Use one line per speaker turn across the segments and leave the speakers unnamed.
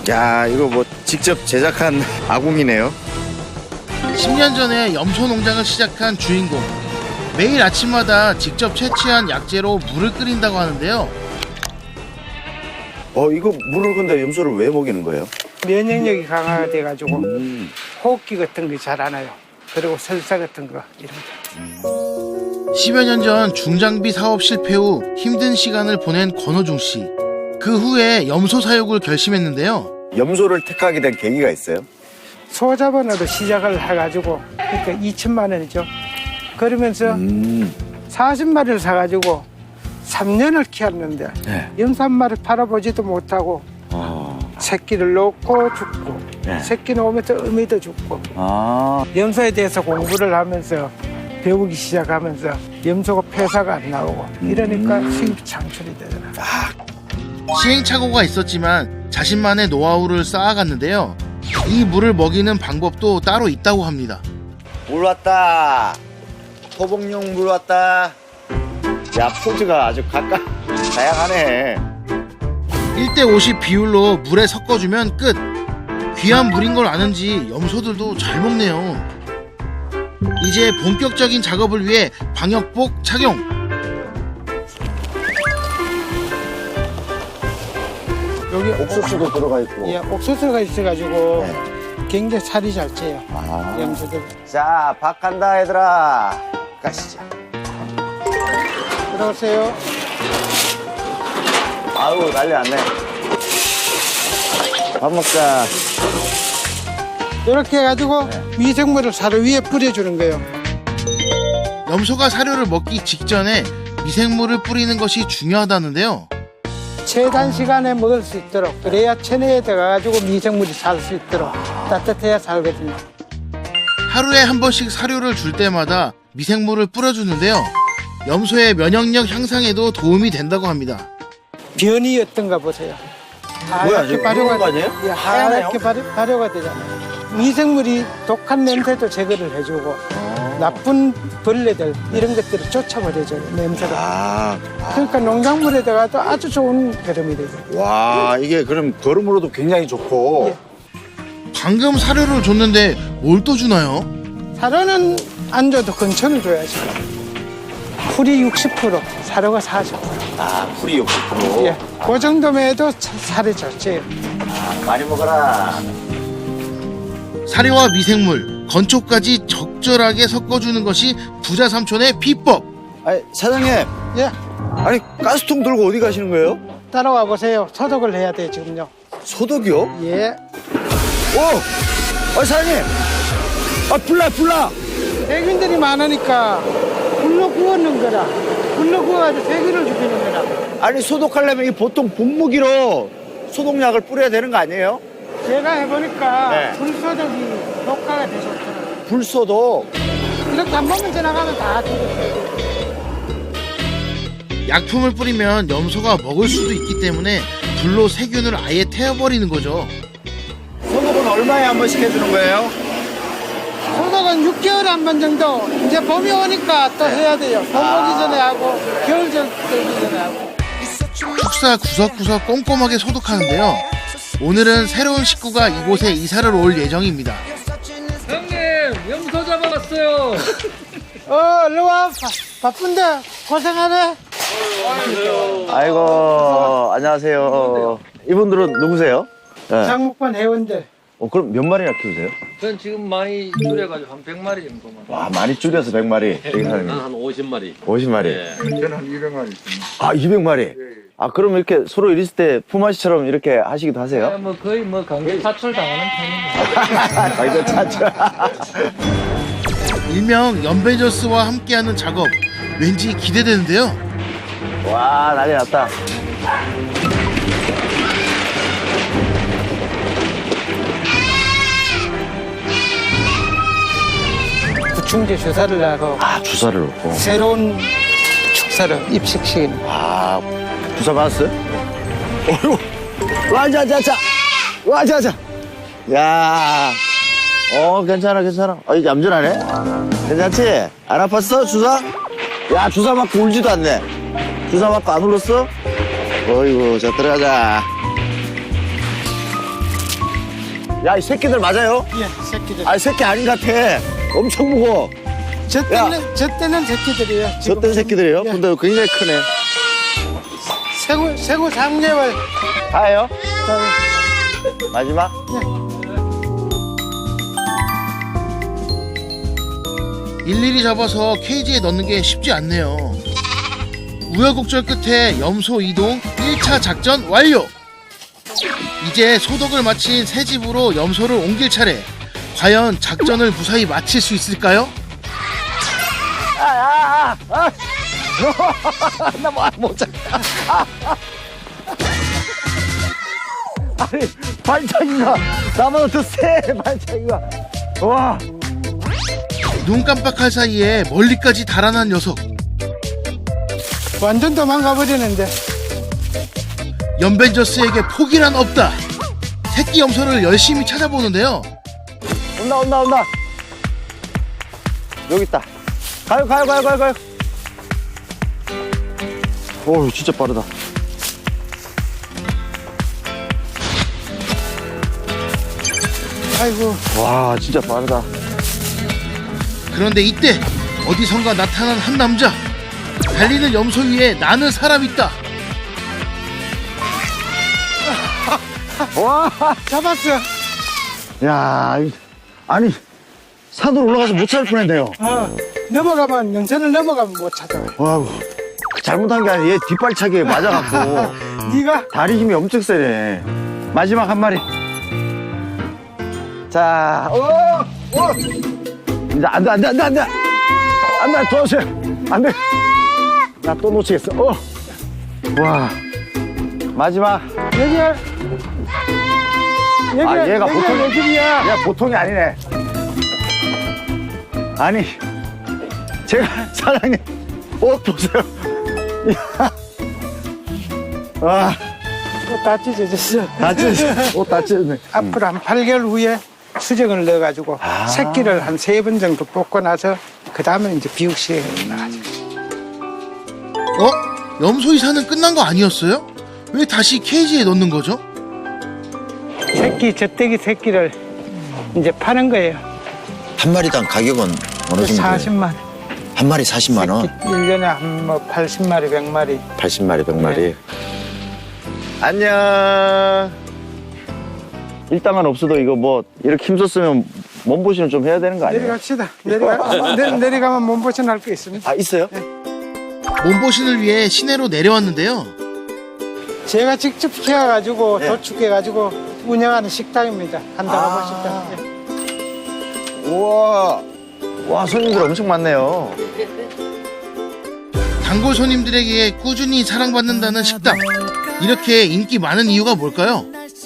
야, 이거 뭐 직접 제작한 아궁이네요.
10년 전에 염소 농장을 시작한 주인공. 매일 아침마다 직접 채취한 약재로 물을 끓인다고 하는데요.
이거 물을 근데 염소를 왜 먹이는 거예요?
면역력이 강화가 돼가지고 호흡기 같은 거 잘 안 와요. 그리고 설사 같은 거 이런 거.
10여 년 전 중장비 사업 실패 후 힘든 시간을 보낸 권호중 씨. 그 후에 염소 사육을 결심했는데요.
염소를 택하게 된 계기가 있어요?
소자본으로 시작을 해가지고 그러니까 2천만 원이죠. 그러면서 40마리를 사가지고 3년을 키웠는데
네.
염소 한 마리 팔아보지도 못하고 새끼를 놓고 죽고
네.
새끼 놓으면서 어미도 죽고
아,
염소에 대해서 공부를 하면서 배우기 시작하면서 염소가 폐사가 안 나오고 이러니까 수입 창출이 되더라.
시행착오가 있었지만 자신만의 노하우를 쌓아갔는데요. 이 물을 먹이는 방법도 따로 있다고 합니다.
물 왔다. 토복용 물 왔다. 야, 포즈가 아주 다양하네.
1대50 비율로 물에 섞어주면 끝. 귀한 물인 걸 아는지 염소들도 잘 먹네요. 이제 본격적인 작업을 위해 방역복 착용.
여기
옥수수도 들어가 있고.
예, 옥수수가 있어가지고
네.
굉장히 살이 잘 쪄요.
아.
염소들.
자, 밥 간다 얘들아. 가시죠.
들어오세요.
아우, 난리 났네. 밥 먹자.
이렇게 해가지고 미생물을 사료 위에 뿌려주는 거예요.
염소가 사료를 먹기 직전에 미생물을 뿌리는 것이 중요하다는데요.
최단 시간에 먹을 수 있도록 그래야 체내에 들어가가지고 미생물이 살 수 있도록 따뜻해야 살거든요.
하루에 한 번씩 사료를 줄 때마다 미생물을 뿌려주는데요. 염소의 면역력 향상에도 도움이 된다고 합니다.
변이 어떤가 보세요.
뭐야,
하얗게
이거
발효가
그런 거 아니에요?
예, 하얗게 발효가 되잖아요. 미생물이 독한 냄새도 제거를 해주고 나쁜 벌레들 이런 것들을 쫓아버려줘요. 냄새가.
아,
그러니까 농작물에다가도 아주 좋은 거름이 되죠.
와, 이게 그럼 거름으로도 굉장히 좋고.
예.
방금 사료를 줬는데 뭘 또 주나요?
사료는 안 줘도 근천을 줘야죠. 풀이 60%, 사료가 40%.
아, 풀이 60%.
예, 그 정도면 해도 살이 좋지.
많이 먹어라.
사료와 미생물, 건초까지 적절하게 섞어주는 것이 부자 삼촌의 비법.
아니, 사장님.
예,
아니, 가스통 들고 어디 가시는 거예요?
따라와 보세요. 소독을 해야 돼요, 지금요.
소독이요?
예.
오! 사장님! 불나!
세균들이 많으니까 불로 구워놓은 거라. 불로 구워가지고 세균을 죽이는 거라.
아니, 소독하려면 이 보통 분무기로 소독약을 뿌려야 되는 거 아니에요?
제가 해보니까
네.
불소독이 효과가 되게 좋더라고요.
불소독.
이렇게 한 번만 지나가면 다 죽었어요.
약품을 뿌리면 염소가 먹을 수도 있기 때문에 불로 세균을 아예 태워버리는 거죠.
소독은 얼마에 한 번씩 해주는 거예요?
소독은 6개월에 한 번 정도. 이제 봄이 오니까 또 해야 돼요. 봄 오기 전에 하고 겨울 들기 전에 하고.
축사 구석구석 꼼꼼하게 소독하는데요. 오늘은 새로운 식구가 이곳에 이사를 올 예정입니다.
형님 염소 잡아갔어요.
일로 와. 바쁜데 고생하네.
아이고, 안녕하세요. 이분들은 누구세요? 네.
장목반 회원들.
그럼 몇 마리나 키우세요?
전 지금 많이 줄여가지고 한 100마리 정도만.
와, 많이 줄여서 100마리. 여기 사장님.
난 한 50마리.
50마리.
예.
아, 200마리? 아, 그럼 이렇게 서로 이랬을 때 품앗이처럼 이렇게 하시기도 하세요?
뭐 거의 뭐 강제 사출 당하는 편입니다.
거기서 찾죠.
일명 연베저스와 함께하는 작업. 왠지 기대되는데요.
와, 난리 났다.
구충제 주사를 하고
아, 주사를 놓고.
새로운 축사를 입식시키는.
아, 주사 맞았어요? 어휴. 와자자자. 야. 괜찮아. 이제 얌전하네. 괜찮지? 안 아팠어, 주사? 야, 주사 맞고 울지도 않네. 주사 맞고 안 울었어? 어이구, 자, 들어가자. 야, 이 새끼들 맞아요?
예, 새끼들.
아, 새끼 아닌 것 같아. 엄청 무거워.
저 때는 새끼들이에요.
저 땐 새끼들이에요?
예.
근데 굉장히 크네.
세고 3개월.
다예요? 마지막?
일일이 잡아서 케이지에 넣는 게 쉽지 않네요. 우여곡절 끝에 염소 이동 1차 작전 완료! 이제 소독을 마친 새 집으로 염소를 옮길 차례. 과연 작전을 무사히 마칠 수 있을까요?
나 뭐, 못 잡다. 아니, 발차기가 나보다 더 세, 발차기가. 와.
눈 깜빡할 사이에 멀리까지 달아난 녀석.
완전 도망가 버리는데.
연벤저스에게 포기란 없다. 새끼 염소를 열심히 찾아보는데요.
온다. 여기 있다. 가요. 오, 진짜 빠르다.
아이고,
와, 진짜 빠르다.
그런데 이때 어디선가 나타난 한 남자. 달리는 염소 위에 나는 사람 있다.
와,
잡았어.
야, 아니, 산으로 올라가서 못 찾을 뻔했네요.
넘어가면, 연선을 넘어가면 못 찾아.
와우, 잘못한 게 아니라 얘 뒷발차기에 맞아갖고
네가
다리 힘이 엄청 세네. 마지막 한 마리. 자, 이제 안 돼, 도와주세요. 안 돼. 나 또 놓치겠어. 와, 마지막.
여기야.
아, 얘가 보통,
내 집이야.
얘가 보통이 아니네. 아니, 제가 사장님 옷 보세요. 와,
다 찢어졌어.
옷 다 찢어졌네.
앞으로 한 8개월 후에 수정을 넣어가지고 새끼를 한 3번 정도 뽑고 나서 그 다음에 이제 비육시에 나가죠.
염소 이사는 끝난 거 아니었어요? 왜 다시 케이지에 넣는 거죠?
새끼, 젖대기 새끼를 이제 파는 거예요.
한 마리당 가격은 어느 정도?
40만 원.
한 마리 40만 원?
1년에 한 뭐 80마리, 100마리.
80마리, 100마리. 안녕. 일당은 없어도 이거 뭐 이렇게 힘썼으면 몸보신을 좀 해야 되는 거 아니에요?
내려갑시다. 내려가면 몸보신 할 게 있습니다.
아, 있어요?
몸보신을 위해 시내로 내려왔는데요.
제가 직접 키워가지고 도축해가지고 운영하는 식당입니다. 한다고 식당.
우와. 와, 손님들 엄청 많네요.
단골 손님들에게 꾸준히 사랑받는다는 식당. 이렇게 인기 많은 이유가 뭘까요?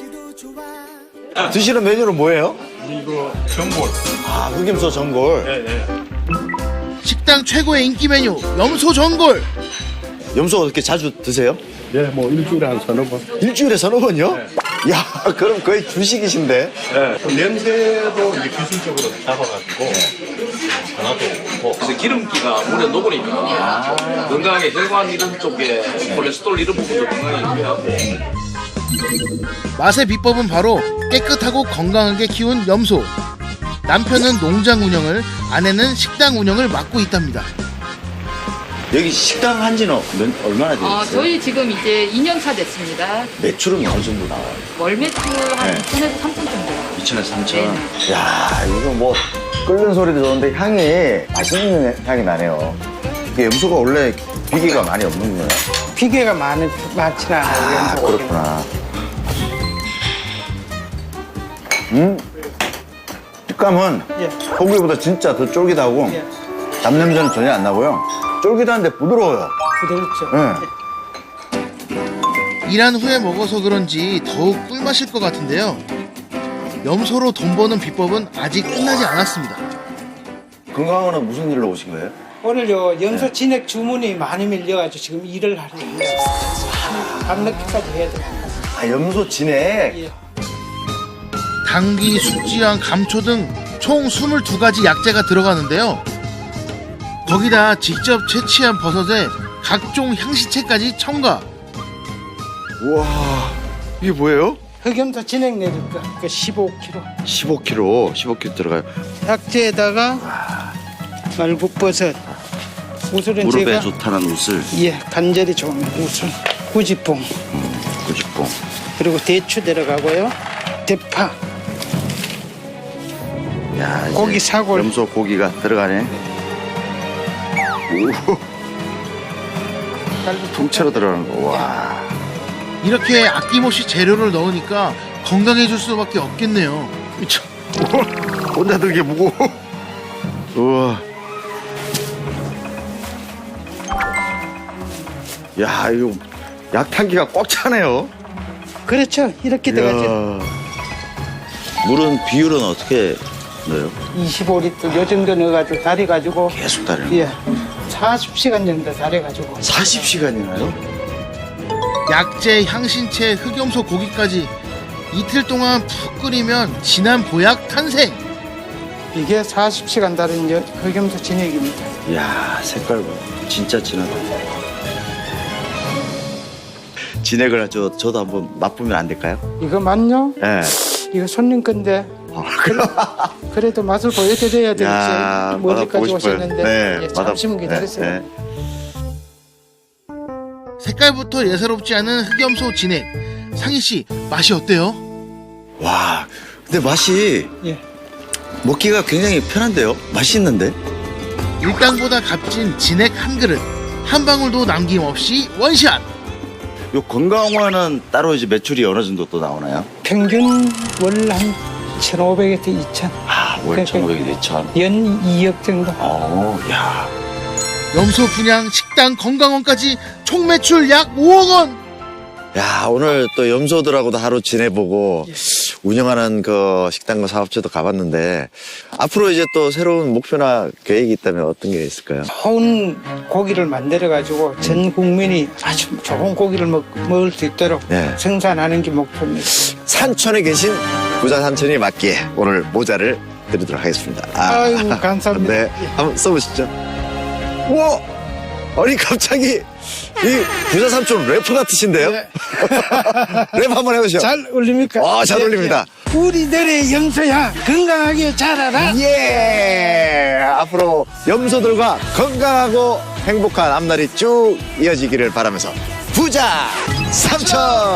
드시는 메뉴는 뭐예요? 이거 전골. 아, 흑임소 전골.
식당 최고의 인기 메뉴 염소 전골.
염소 어떻게 자주 드세요?
네, 뭐 일주일에 한 서너 번.
일주일에 서너 번요? 야, 그럼 거의 주식이신데?
네. 냄새도 이제 기술적으로 잡아가지고 하나도 뭐
그래서 기름기가 물에 녹으니까 건강하게 혈관 이런 쪽에 콜레스테롤 이런 부분도 건강하게 유지하고.
맛의 비법은 바로 깨끗하고 건강하게 키운 염소. 남편은 농장 운영을, 아내는 식당 운영을 맡고 있답니다.
여기 식당 한 지는 얼마나 되셨어요?
저희 지금 이제 2년 차 됐습니다.
매출은 어느 정도 나와요?
월 매출 한
네.
2천에서 3천 정도.
2천에서 3천.
네.
야, 이거 뭐 끓는 소리도 좋은데 향이 맛있는 향이 나네요. 이게 염소가 원래 비계가 많이 없는 거예요.
비계가 많지는 않아요.
아,
염소 고기는.
그렇구나. 식감은
예.
소고기보다 진짜 더 쫄깃하고
예.
잡냄새는 전혀 안 나고요. 쫄깃한데 부드러워요.
부드럽죠.
예.
일한 후에 먹어서 그런지 더욱 꿀맛일 것 같은데요. 염소로 돈 버는 비법은 아직 끝나지 않았습니다.
건강원은 무슨 일로 오신 거예요?
오늘요 염소 진액 주문이 많이 밀려가지고 지금 일을 하려고 해요. 밤늦게까지 해야 돼요.
아, 염소 진액.
예.
당귀, 숙지향, 감초 등 총 22가지 약재가 들어가는데요. 거기다 직접 채취한 버섯에 각종 향시채까지 첨가.
우와, 이게 뭐예요?
흑염소 진액 내릴 거, 그 15kg.
15kg 들어가요.
약재에다가 말국버섯, 우슬은
무릎에
제가
좋다는 우슬,
예 관절이 좋은 우슬, 구지뽕,
고집봉.
그리고 대추 들어가고요, 대파,
야, 이제
고기 사골.
염소 고기가 들어가네. 오, 통째로 들어가는 거. 와.
이렇게 아낌없이 재료를 넣으니까 건강해질 수밖에 없겠네요. 그쵸?
혼자 들게 무거워. 우와. 야, 이거 약탕기가 꽉 차네요.
그렇죠. 이렇게 들어가죠.
물은 비율은 어떻게 넣어요?
25리터 요 정도 넣어가지고 달여가지고
계속 다르는
예 40시간 정도 달여가지고
40시간이나요?
약재, 향신채, 흑염소 고기까지 이틀 동안 푹 끓이면 진한 보약 탄생.
이게 40시간 달인 흑염소 진액입니다.
이야, 색깔 봐. 진짜 진하다. 진액을 저도 한번 맛보면 안 될까요?
이거 맞냐?
예.
이거 손님 건데 그래도 맛을 보여드려야
야,
되겠지. 멀리까지
맛보고 싶어요.
오셨는데
네,
예, 잠시만
맛-
기다리세요.
네, 네.
색깔부터 예사롭지 않은 흑염소 진액. 상희 씨, 맛이 어때요?
와, 근데 맛이
예.
먹기가 굉장히 편한데요? 맛있는데?
일당보다 값진 진액 한 그릇. 한 방울도 남김없이 원샷.
요 건강화는 따로 이제 매출이 어느 정도 또 나오나요?
평균 월 한 1,500에서 2,000.
아, 월 1,500에 2,000.
연 2억 정도.
야.
염소 분양, 식당, 건강원까지 총 매출 약 5억 원.
야, 오늘 또 염소들하고도 하루 지내보고 운영하는 그 식당과 사업체도 가봤는데 앞으로 이제 또 새로운 목표나 계획이 있다면 어떤 게 있을까요?
좋은 고기를 만들어가지고 전 국민이 아주 좋은 고기를 먹을 수 있도록
네.
생산하는 게 목표입니다.
산촌에 계신 부자 삼촌이 맞기에 오늘 모자를 드리도록 하겠습니다.
아이고, 감사합니다.
네, 한번 써보시죠. 우와! 아니 갑자기 이 부자 삼촌 래퍼 같으신데요?
네.
랩 한번 해보시죠.
잘 어울립니까?
잘 어울립니다.
우리들의 염소야 건강하게 자라라.
예! 앞으로 염소들과 건강하고 행복한 앞날이 쭉 이어지기를 바라면서 부자 삼촌!